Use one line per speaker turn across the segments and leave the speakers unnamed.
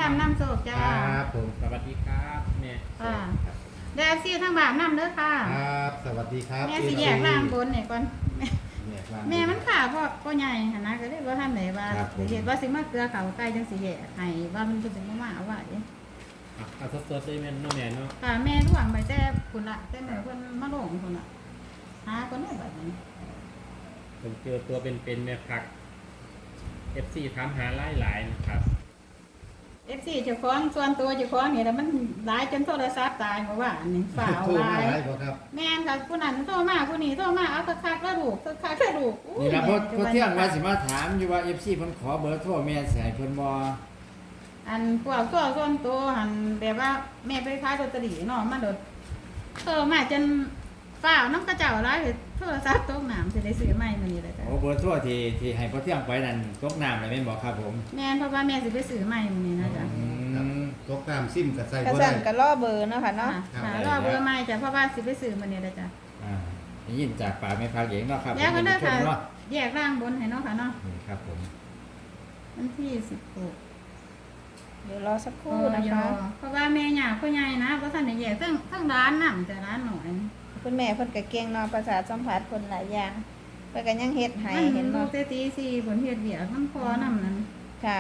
ำน้ำโศกจ้า
ครับผม
สวัสดีครับแม่
ค่ะแดดซี่ทั้งบาปน้ำเด้อค่ะ
ครับสวัสดีครับ
แม่สิแยกร่างบนเนี่ยก่อน
แยกร่าง
แม่มันขาพ่อใหญ่หั่นนะก็เลยว่าท่านไหนว่า
ครับผม
เห็นว่าสิมาเกลือเขาใกล้จังสิแยกให้ว่ามันจะเป็นมาเอาไว้
เอาสดๆเลยแม่น้องแม่เนาะ
ค่ะแม่ร่วงไปแต่คุณละแต่แม่เพิ่นมาลงคุณละหาคนได้แบบนี้
ผมเจอตัวเป็นแม่พัก FC ถามหาหลายๆนะครับ
FC เจ้าของส่วนตัวเจ้าของนี่แล้วมันหลายจนโทรศัพท์ตายเพราะว่าอันนี้ฝ่าว
โทร
ห
มา
ลาย
หลายบ่ครับ
แม่นค่ะผู้นั้นโทรมาผู้นี้โทรมาเอาคักๆแล้วลูกคักๆแล้วลูกอุ้ย
นี่ล่ะเพราะ
แม่
เพราะเที่ยงว่าสิมาถามอยู่ว่า FC เพิ่นขอเบอร์โทรแม่สิให้เพิ่นบ่
อันพวกตัวส่วนตัวหันแบบว่าแม่ไปขายลอตเตอรี่เนาะมาโดดโทรมาจนฝ่าวน้ำกระเจ้าหลายโทรศัพท์ตกน้ำสิได้ซื้อใหม่มื้อนี้เลยจ้ะ
โอ้เบอร์โทรที่ให้พอเที่ยงไปนั่นตกน้ำเลยแม่นบ่ครับผม
แม่นเพราะว่าแม่สิไปซื้อใหม่มื้อนี้นะจ๊ะ
ครับตกตามซิมกับใส่
กระ
บ่
สั
ได้
นกระล่อเบอร์เนาะค่ะเนาะ
ค่ะรอเบอร์ใหม่จ้ะเพราะว่าสิไปซื้อมื้อนี้เลยจ้ะ
ได้ยินจากปากแม่พักเองเนาะครับ
แล้วก็เด้อค่ะ
เนาะ
แยกร่างบนให้เนาะค่ะเนาะ
นี่ครับผม
วันที่16
เดี๋ยวรอสักค
โอ้
รู่นะ
ย
คะ
เพราะว่าแม่ย่าพ่อใหญ่นะบ่ทันได้แยกทั้งร้านนำแต่ร้านหน่อย
คุณแม่เพิ่นก็เก่งเนาะประสาทสัมผัสคนหลายอย่างเพิ่นก็ยังเฮ็ดให้
มัน
เห็น
ลู
บ่
กแต่ตี4ผลเฮ็ดเวียกมันพอนำนั้น
ค่ะ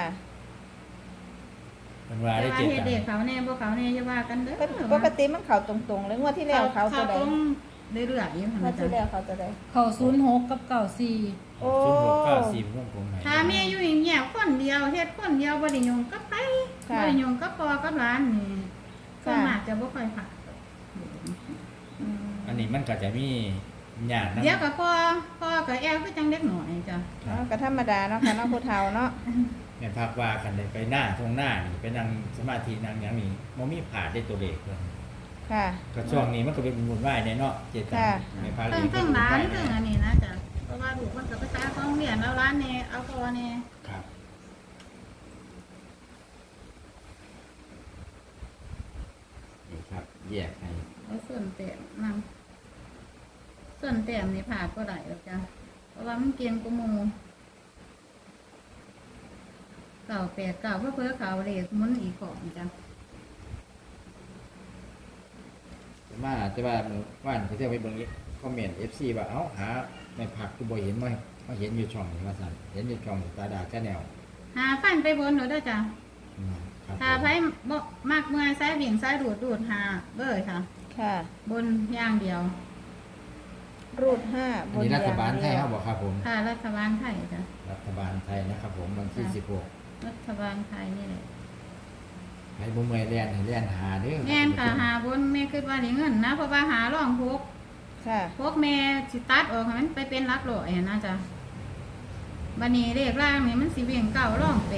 มันว่า
แต่
ได้
ว่า
เจ็ด
เฮ็ด
ตัง
เด็ก
ค์
เขาแน่บ่เขาแน่อย่าว่ากันเด้อ
เพิ่นปกติมันเข้าตรงๆเลยงวดที่แล้วเขาตัวใด
ตรงเรื่อยๆอยู่หั่น
งว
น่ะ
ดที่แล้
จ้ะ
วเขาตัวใด
เขา06กับ94
โอ้
0694ผมผมให้
ถ้าแม่อยู่อย่างเงี้ยคนเดียวเฮ็ดคนเดียวบ่ได้ยุ่งกับไผบ่ได้ยุ่งกับพ่อกับหลานนี่ส่วนมากจะบ่ค่อยผ่าน
อืม
อันนี้มันก็จะมีญาตินะ
เดี๋ยวก็พ่อก็แอลคือจังเด็กหน่อยจ้ะ
ครั
เนาะ
บ
ก็ธรรมดาเนาะค่ะเนาะผู้เฒ่าเนาะ
แม่พักว่าคันได้ไปหน้าทงหน้านี่ไปนั่งสมาธินั่งหยังนี่บ่มีผาดได้ตัวเลขเพิ่น
ค่ะ
ก็ช่วงนี้มันก็เป็นบุญไหว้แน่เนาะเจ็ดตัง
ค่ะ
ค์แม่พัก
เพิ่งร้านเพิ่งอันนี้นะจ้ะเพราะว่าลูกมันก็ไปขายของเรียนเอาร้านนี่เอาพ่อนี่
ครับนี่ครับแยกให้
เอาส่วนแต้มนำส่วนแต้มนี่ผ่าก็ได้แล้วจ้ะเพราะว่ามันเกียงกว่าหมู่เก่า8เก่าเพื่อเขาเลขหมุนอีกของจ้ะ
แต่ว่าเมื่อวานเขาเที่ยวไปเบิ่งคอมเมนต์ FC ว่าเอ้าหาในผักคือบ่เห็นมาเห็นอยู่ช่องนี่ว่าซั่นเห็นอยู่ช่องตาดาแค่แนว
หาฟันไปบนหนูด้วยจ้ะ
ครับ
ถ้าไผมมากเมื่อยซ้ายเบี่ยงซ้ายดูดหาเบอร์ค่ะ
ค่ะ
บนอย่างเดียว
รูด5
อัน
บน
นี้
อย่า
รัฐบาล
ง
ไท
เดี
ย
ยว
เฮาบ่ครับผม
ค่ะรัฐบาลไทยจ้ะ
รัฐบาลไทยนะครับผมวันที่
รัฐบาลไทยนี่แหละ
16ให้บ่เมื่อยแล่นให้แล่นหาเด้อ
แม่นค่ะหาบนแม่คิดว่าได้เงินนะเพราะว่าหาร่องพก
ค่ะ
พวกแม่สิตัดออกให้มันไปเป็นหลักร้อยนะจ๊ะบัดนี้เลขล่างนี่มันสิเบี่ยงเก้าร่อง8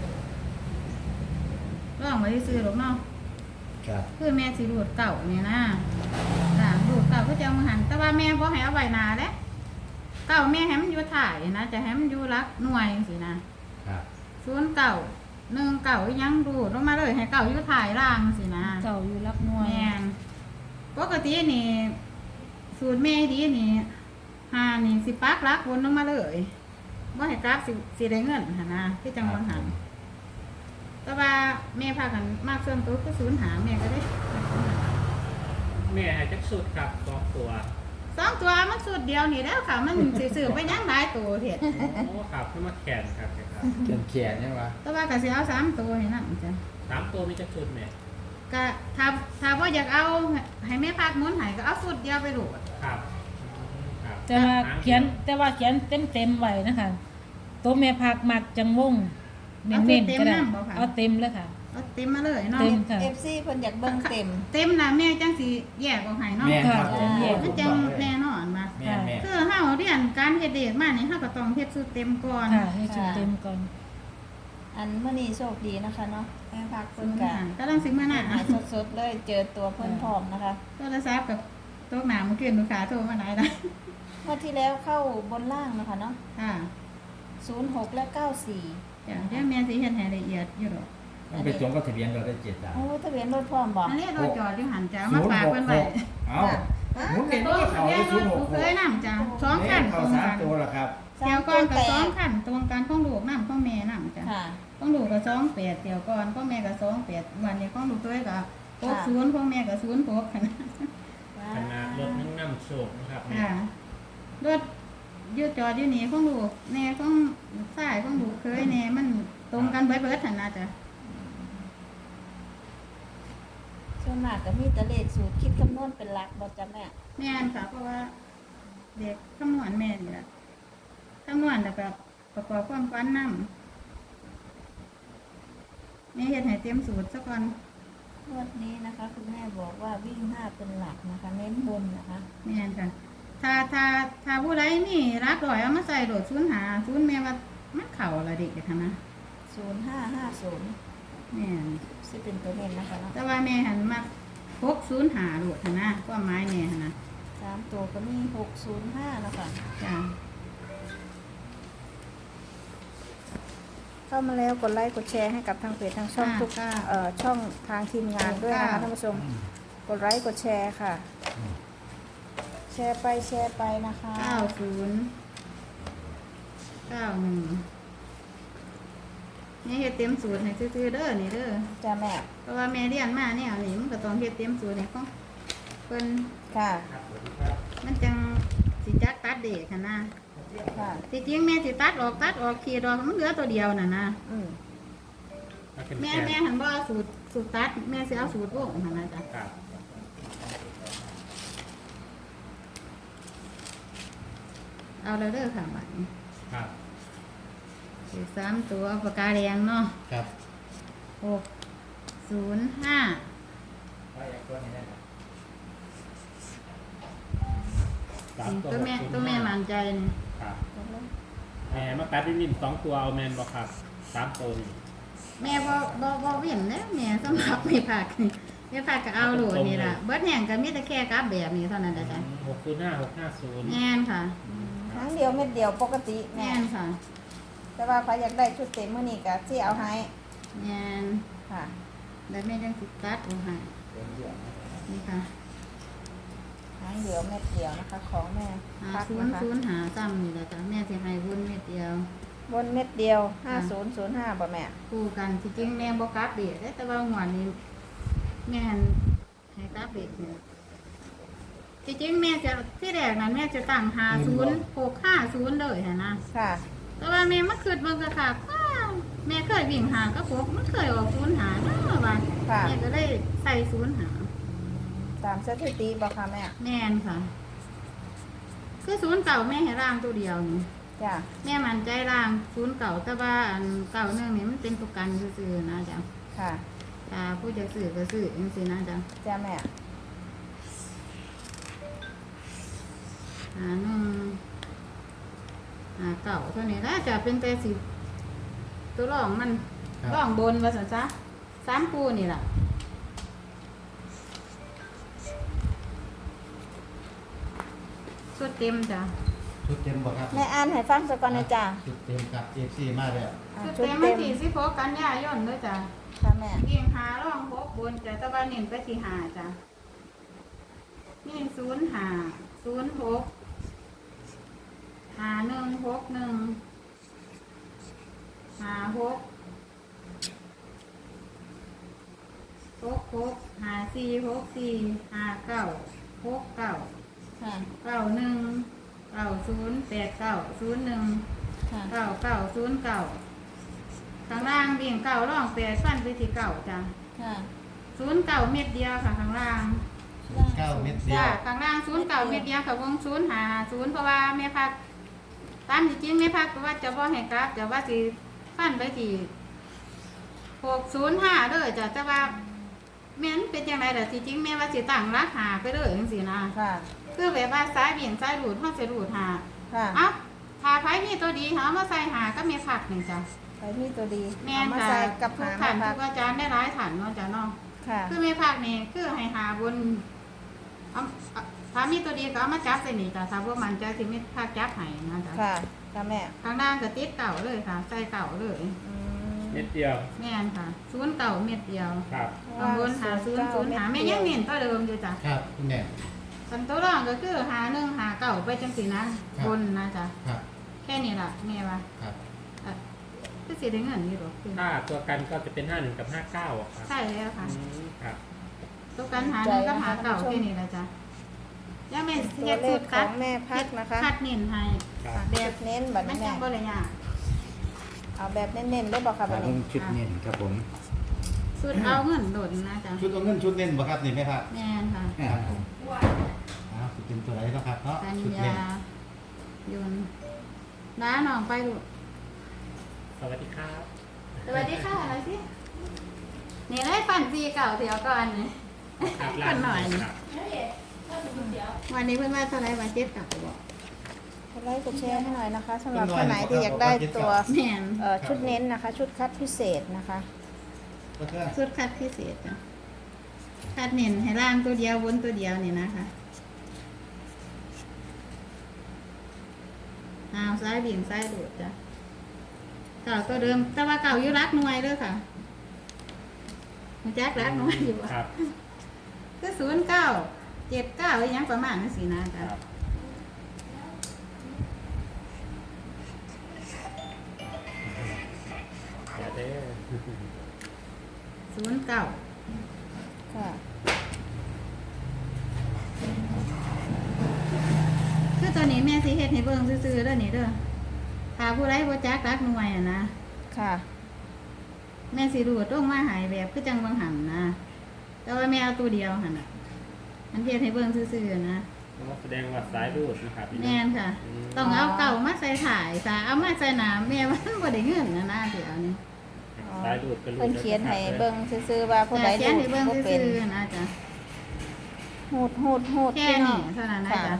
ร่องไว้ซื้อหรอกเนาะ
ครับ
คือแม่สิรูดเก่านี่นะจ้ะรูดเก่าก็จะเอามาหันแต่ว่าแม่บ่ให้เอาไว้หนาเด้เก่าแม่ให้มันอยู่ถ่ายนะจะให้มันอยู่หลักหน่วยจังซี่นะครับ 0 เก่า1 เก่ายังรูดลงมาเลยให้เก่าอยู่ถ่ายล่างจังซี่นะ
เก่าอยู่รับหน่วย
แม่นปกตินี่สูตรแม่ดีนี่หานี่สิปักหลักวนลงมาเลยบ่ให้กราฟสิได้เงินหั่นนะคือจังบ่หันแต่ว่าแม่พากันมากส่วนตัวคือ0หาแม่ก็ได้
แม่ให้จักสุดครับ2ตัว
สองตัวมันสูตรเดียวนี่แล้วค่ะ มันสิซื้อไปยังหลายตัวเถิด
โอ้ครับขึ้นมาแขนครับครับ
เขียนใช่ป่ะ
แต่ว่าก็สิเอา3ตัวนี่นำจ้ะ
3ตัวมีจักสุดแม่
ก็ถ้าบ่อยากเอาให้แม่พักหมุนให้ก็เอาสูตรเดียวไปโหลด
ครับครับ
แต่ว่าเขียนเต็มไว้นะคะตัวแม่พักมักจังวงเน้นๆก็ได้เอาเต็มเลยค่ะ
เอาเต็มมาเลยเนาะ
เต็ม ค่ะ
FC เพิ่นอยากเบิ่งเต็ม
เต็มน่ะแม่จังสิแยกออกให้เนาะ
แม่นครับ
ค่ะ
มันจังแน่นอนมา
แม่นแม่น
คือเฮาเรียนการเฮ็ดเด็กมานี่เฮาก็ต้องเฮ็ดสูตรเต็มก่อน
ค่ะให้ชุดเต็มก่อน
อันมื้อนี้โชคดีนะคะเนาะแม่พัก
สู
เพิ่
ต
น
ร
ก็
กำลังสิมาหน้า
สดๆเลยเจอตัวเพิ่นพร้อมนะคะ
โทรศัพท์กับโต๊ะหน้าเมื่อคืนลูกค้าโทรมาหลายได้
งวดที่แล้วเข้าบนล่างนะคะเนาะ
ค่ะ
06 และ 94
จ้ะเดี๋ยวแม่สิเฮ็ดให้ละเอียดอยู่ดอก
มันไปตรงกับทะเบียนรถได้เจ็ดตังค์
โอ้ทะเบียนรถพร้อมบ่
อันนี้เราจอดอยู่หันจ้ามาฝากเพิ่นไว้
เอ้าหมุนเห็นว่าเขาได้ศูนย์หก
เคยนำจ้ะสอง
แม่
ขัน
เขา
ตรง
สาม
กัน
ตัวละครับ
เที่ยวก่อนกับสองขันตรงกันของลูกนำของแม่นำจ้ะ
ค่ะ
ของลูกกับ28เที่ยวก่อนของแม่กับ28วันนี้ของลูกเคยกับ60ของแม่กับ06ค่ะ
ขนาดรถนั่งนำโชคนะครับ
ค่ะรถยืดจอดอยู่นี่ของลูกแน่ของสายของลูกเคยแน่มันตรงกันเบิดๆหั่นนะจ้ะ
ส่วนมากก็มีแต่เลขสูตรคิดคำนวณเป็นหลักบ่จ้ะแม่
แม่นค่ะเพราะว่าเด็กคำนวณแม่นี่แหละคำนวณแล้วก็ประกอบความฝันนำแม่เฮ็ดให้เต็มสูตรซะก่อน
งวดนี้นะคะคุณแม่บอกว่าวิ่ง5เป็นหลักนะคะ เน้นบนนะคะ
แม่นค่ะ ถ้าผู้ใดนี่รักร้อยเอามาใส่โดด0 แม่ว่ามันเข้าละเด็กค่ะนะ
0550
แม่น
สิเป็นตัวเน้นนะคะเนาะ
แต่ว่าแม่หันมา605โดดค่ะนะความหมายแม่หั่นนะ
3ตัวก็มี605นะคะ
จ้ะ
เข้ามาแล้วกดไลค์กดแชร์ให้กับทางเพจทางช่องทุกช่องทางทีมงานด้วยนะคะท่านผู้ชมกดไลค์กดแชร์ค่ะ แชร์ไปนะคะ
แม่เฮ็ดเต็มสูตรให้ซื่อๆเด้อนี่เด้อ
จ้าแม่
เพราะว่าแม่เรียนมาเนี่ยนี่มันก็ต้องเฮ็ดเต็มสูตรให้ของเพิ่น
ค่ะ
มันจังสิจักตัดเด็กค่ะนะ
ค่ะ
ที่จริงแม่สิตัดออกขีดออกมันเหลือตัวเดียวน่ะนะ
อืม
แม่หันบ่เอาสูตรตัดแม่สิเอาสูตรวงหั่นนะจ๊ะ
ครับ
เอาแล้วเด้อค่ะบัดนี้
ครับ
สิ3ตัวปากกาแดงเนาะ
ครับ
605ตัวแม่มั่นใจนี่
ครับมาตัดนิ่มๆ2ตัวเอาแมนบ่ครับ3ตัวนี่
แม่บ่เว้นเด้อแม่สำหรับไม่ผักนี่ไม่ผักก็เอาโหลดนี่ล่ะเบิดแห้งก็มีแต่แค่กลับแบบนี้เท่านั้นแหละจ้ะ
605
แม่นค่ะ
ครั้งเดียวเม็ดเดียวปกติแม่
แม่นค่ะ
แต่ว่าใครอยากได้ชุดเต็มมื้อนี้ก็สิเอาให้
แม่น
ค่ะ
แล้วแม่จังสิตัดเอาให้นี่ค่ะ
ครั้งเดียวเม็ดเดียวนะคะ ของแม่พักนะคะ
50หาซ้ำนี่แหละจ้ะแม่สิให้วุ้นเม็ดเดียว
บนเม็ดเดียว5005บ่แม่
คู่กันที่จริงแม่บ่กลับเด็ดแต่ว่าหวดนี้แม่นให้กลับเด็ดเนี่ยที่จริงแม่จะที่แรกนั้นแม่จะตั้ง50 650เลยหั่นนะ
ค่ะ
แต่ว่าแม่มาคิดเบิ่งก็ค่ะว้าวแม่เคยวิ่งหาก็พบมันเคยออก0หาเนาะว่า
ค่ะ
แม่ก็ได้ใส่0หา
ตามสถิติบ่ค่ะแม่
แม่นค่ะ คือ0เก่าแม่ให้ร่างตัวเดียวนี่
จ้ะ
แม่มั่นใจร่าง0เก่าแต่ว่าอันเก่านึงนี่มันเป็นตัวกันซื่อๆนะจ๊ะ
ค่ะ
ถ้าผู้จะซื้อก็ซื้อจังซี่นะจ๊ะ
จ้าแม่
เก่าเท่านี้แล้วจะเป็นแต่สิตัวรองมัน
ครับ
รองบนว่าซั่นซะ3คู่นี่ล่ะสุดเต็มจ้ะ
ชุดเต็มบ่ครับ
แม่อ่านให้ฟังสักก่อนนะจ้ะ
ชุดเต็มครับ FC มาแล้ว
สุด
ชุด
เต็ม
เต็
มัน
ม
ที่16กันยายนเด้อจ้ะ
ค่ะแม่
เรียงหารอง6บนจ้ะแต่ว่าเน้นไปที่5จ้ะนี่05 06 5161 56 54 59
ค่ะ ค่ะ
ข้างล่างเบี่ยงเก่าร่อง8ฟันไปที่เก่าจ้ะ
ค่ะ
09เม็ดเดียวค่ะข้างล่าง
9 เม็ดเดีย
จ้าว ข้างล่าง09เม็ดเดียวค่ะวง050เพราะว่าแม่พักตามที่จริงแม่พักก็ว่าจะบ่ให้กลับจะว่าสิฟันไปที่605เด้อจ้ะแต่ว่าแม่นเป็นจังไดล่ะที่จริงแม่ว่าสิตั้งราคาไปเลยจังซี่นะ
ค่ะ
คือแบบว่าซ้ายเบี่ยงซ้ายหลุดเฮาสิหลุดหา
ค่ะ
เอ้าถ้าไผมีตัวดีหามาใส่หาก็มีผักนี่จ้ะ
ไปมีตัวดี
แม่
เอา
น
มา
ค่ะ
ใส่กับ
ทุ
หาก ง
ขัน
พั
ทุ
ก
กอาจารย์ได้หลายขันเนาะจ้ะเนาะ
ค่ะ
คือมีผักนี่คือให้หาบนเอาถ้ามีตัวดีก็เอามาจับใส่นี่จ้ะถ้าบ่มันใจสิมีผักจับให้นะจ้ะ
ค่ะค่ะแม่
ข้างล่างก็ติดเก่าเลยค่ะ ใส่เก่าเลย
อืม
เม็ดเดียว
แม่นค่ะ0เก่าเม็ดเดียว
ครับ
ข้างบนหา0 0หาแม่ยังเน้นตัวเดิมอยู่จ้ะ
ครับคุณแม่
สันตัวรองก็คือหาหนึ่งหาเก่าไปจังสีนะบนนะจ๊ะ
ครับ
แค่นี้ล่ะแม่ว่า
ครับ
ก็สิได้เงินอยู่หรอกคือ
ถ้าตัวกันก็จะเป็น51กับ59อะครับ
ใช่แล้วค่ะ
ครับ
ตัวกันหาหนึ่งก็หาเก่าแค่นี้ละจ๊ะยังไม่
ตัว
เฮ็ด
เล
สู
ข
ตร
ข
คั
อ
ด
งแม่พักนะคะ
คัดเน้นให้
ครับ
แบ
แบบ บเน้นบัด
มัน
แม่
จังบ่เลยยาก
เอาแบบเน้นๆได้บอกค่ะบัด
เพิ่
นี้
งชุดเน้นครับผม
สูตรเอาเงินโดดนะจ๊ะ
ชุดเอาเงินชุดเน้นบ่ครับนี่แม่ครับ
แม่นค่ะ
ครับผมอ้าวสิเป็นตัวไหนเนาะครับเนาะ
กัญ
ชุดเน้น
ญาโยนน้าน้องไปลูก
สวัสดีครับ
สวัสดีค่ะอะไรสินี่ได้ปั่นซีเก่าเดี๋ยวก่อนนี่
ครับ
ปั่นหน่อย
ครับ
วันนี้เพื่อนว่าเท่าไรมาเจ็ดกลับบอก
กดไลค์กดแชร์ให้หน่อยนะคะสำหรับท่านไหนที่อยากได้ตัว
แม่น
ชุดเน้นนะคะ ชุดคัดพิเศษนะคะ
ก็เพื่อน
สุดคัดพิเศษจ้ะคัดเน้นให้ล่างตัวเดียวบนตัวเดียวนี่นะคะเอาซ้ายเบี่ยงซ้ายดูดจ้ะเก่าตัวเดิมแต่ว่าเก่าอยู่รักหน่วยเด้อค่ะมันแจ๊กรักหน่วยอยู่อะ
ครับ
ก็0979อีหยังประมาณนั้นสินะ
ค
จ๊ะ
รับเดี๋ยวเด้อ
09
ค่ะ
คือตัวนี้แม่สิเฮ็ดให้เบิ่งซื่อๆเด้อนี่เด้อถ้าผู้ใดบ่จักรักหน่วยอ่ะนะ
ค่ะ
แม่สิรูดลงมาหายแบบคือจังบางหันนะแต่ว่าแม่เอาตัวเดียวหั่นน่ะมันเฮ็ดให้เบิ่งซื่อๆนะ
แสดงว่าสายรูดนะครับพี่น้อง
แม่นค่ะ ต้องเอาเก่ามาใส่ถ่ายถ้าเอามาใส่หนาแม่มันบ่ได้เงินนะเดี๋ยวนี้
สายรูดก็รูด
เพิ่นเขียนให้เบิ่งซื่อๆว่าผู้ใด
แต่เขียน
ดู
ให้เบิ่ง
บ่เป็
ซื่
น
อๆนะจ๊ะ
หูด
แค่
พี่น้อ
นี้
ง
เท่านั้นนะ
ค่ะ
จ๊ะ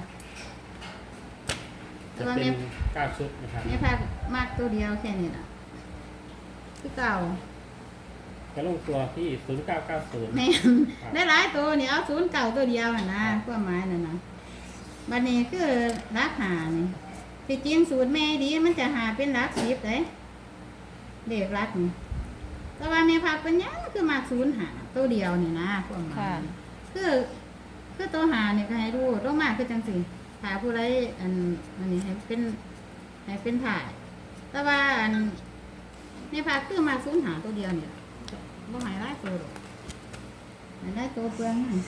จะเป็น9ชุดนะครับ
แม่พามากตัวเดียวแค่นี้ล่ะคือเก่า
จะลงตัวที่0990
แม่นได้หลายตัวนี่เอา0เก่าตัวเดียวหั่นนะความหมายนั่นน่ะบัดนี้คือรักหานี่ที่จริงสูตรแม่ดีมันจะหาเป็นรัก10เด้เด็กรักนี่แต่ว่าแม่พาเป็นหยังคือมาก0หาตัวเดียวนี่นะความหมาย
ค่ะ
คือตัวหาเนี่ยก็ให้รู้ต้องมากคือจังสิหาผู้ไรอันนี้ให้เป็นถ่าย แต่ว่าอันในภาคคือมาสูญหาตัวเดียวเนี่ยบ่หายได้ตัวหรอกหายได้ตัวเปลืองนั่น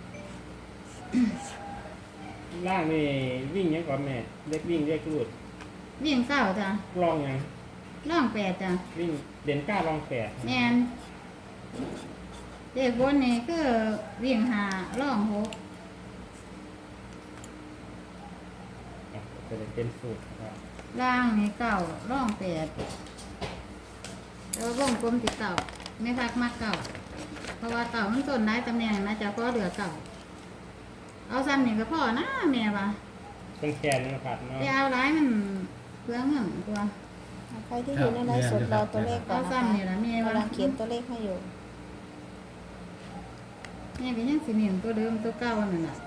ล่างนี่วิ่งยังก่อนแม่เล็กวิ่งเรียกรูด
วิ่งเก้าจ้ะ
ลองยัง
ล่อง8จ้ะ
วิ่งเด่น9ลอง8
แม่นเด็กบนนี่คือวิ่งหาล่อง6
เป็นสูตรครับ
ล่างนี่เก้าล่อง8แล้ววงกลมติดเก้าไม่พักมากเก้าเพราะว่าเก้ามันต้นได้ตำแหน่งนะจ๊ะเพราะเหลือเก้าเอาซ้ำนี่ก็พอนะแม่ว่า
ต้องแขนนะครับเนาะ
ไปเอาร้ายมันเพื่อเงินตัว
ใครที่อยู่ในไลฟ์สดรอตัวเลขก่อ
เอา
นนะ
ซ้ำนี่
คะ
ละแม่ว่าก
ำลังเขียนตัวเลขให้อยู่
แม่ก็ยังสิเนียนตัวเดิมตัวเก่านั่นน่ะ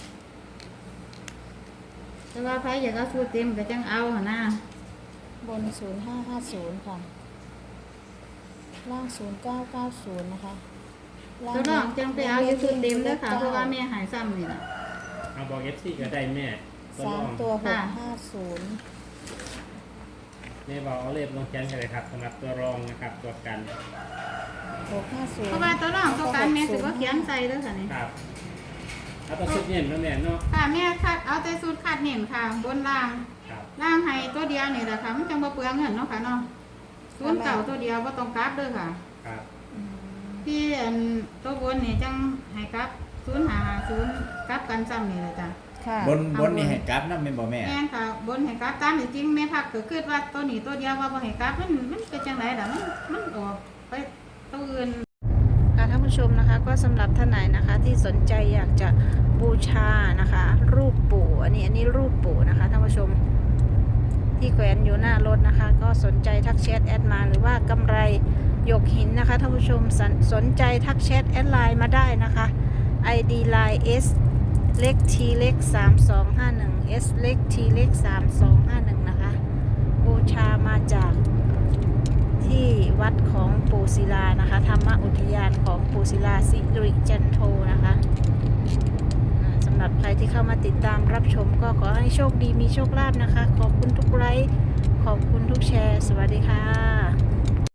แต่ว่าไผอยากเอาสูตรเต็มก็จังเอาหั่นนะ
บน 0550 ค่ะ ล่าง 0990 นะคะ
ตัวน้องจังไปเอาอยู่สูตรเต็มเด้อค่ะเพราะว่าแม่หายซ้ำนี่ล่ะ
เอาบอก FC ก็ได้แม่ตัวลอง
3ตัว
ค่ะ
650
แม่บอกเอาเลขลงแขนกันเลยครับสำหรับตัวรองนะครับตัวกัน
650
เพราะว่าตัวน้องตัวการแม่สิบ่เขียนใส่เด้อค่ะนี่
ครับเอาตัวชุดเย็นแล้วแม่เนาะ
ค่ะแม่คัดเอาแต่สูตรคัดเน้นค่ะ บนล่าง
ครับ
ล่างให้ตัวเดียวนี่แหละค่ะมันจังบ่เปลืองเงินเนาะค่ะเนาะสูตรเก่าตัวเดียวบ่ต้องกลับเด้อค่ะ
ครับ
ที่อันตัวบนนี่จังให้กลับ0550กลับกันซ้ำนี่แหละจ้ะ
ค่ะ
บนนี่ให้กลับนำแม่นบ่แม่
แม่นค่ะบนให้กลับตามที่จริงแม่พักก็คิดว่าตัวนี้ตัวเดียวว่าบ่ให้กลับมันเป็นจังไดล่ะมันออกไปตัวอื่น
ค่ะท่านผู้ชมนะคะก็สำหรับท่านไหนนะคะที่สนใจอยากจะบูชานะคะ รูปปู่อันนี้รูปปู่นะคะท่านผู้ชมที่แขวนอยู่หน้ารถนะคะ ก็สนใจทักแชทแอดมาหรือว่ากำไรหยกหินนะคะท่านผู้ชมสนใจทักแชทแอดไลน์มาได้นะคะ ID line S เล็ก T เล็ก3251 S เล็ก T เล็ก3251นะคะบูชามาจากที่วัดของปู่ศิลานะคะธรรมอุทยานของปู่ศิลาสิริจันโทนะคะสำำหรับใครที่เข้ามาติดตามรับชมก็ขอให้โชคดีมีโชคลาภนะคะ ขอบคุณทุกไลค์ขอบคุณทุกแชร์ สวัสดีค่ะ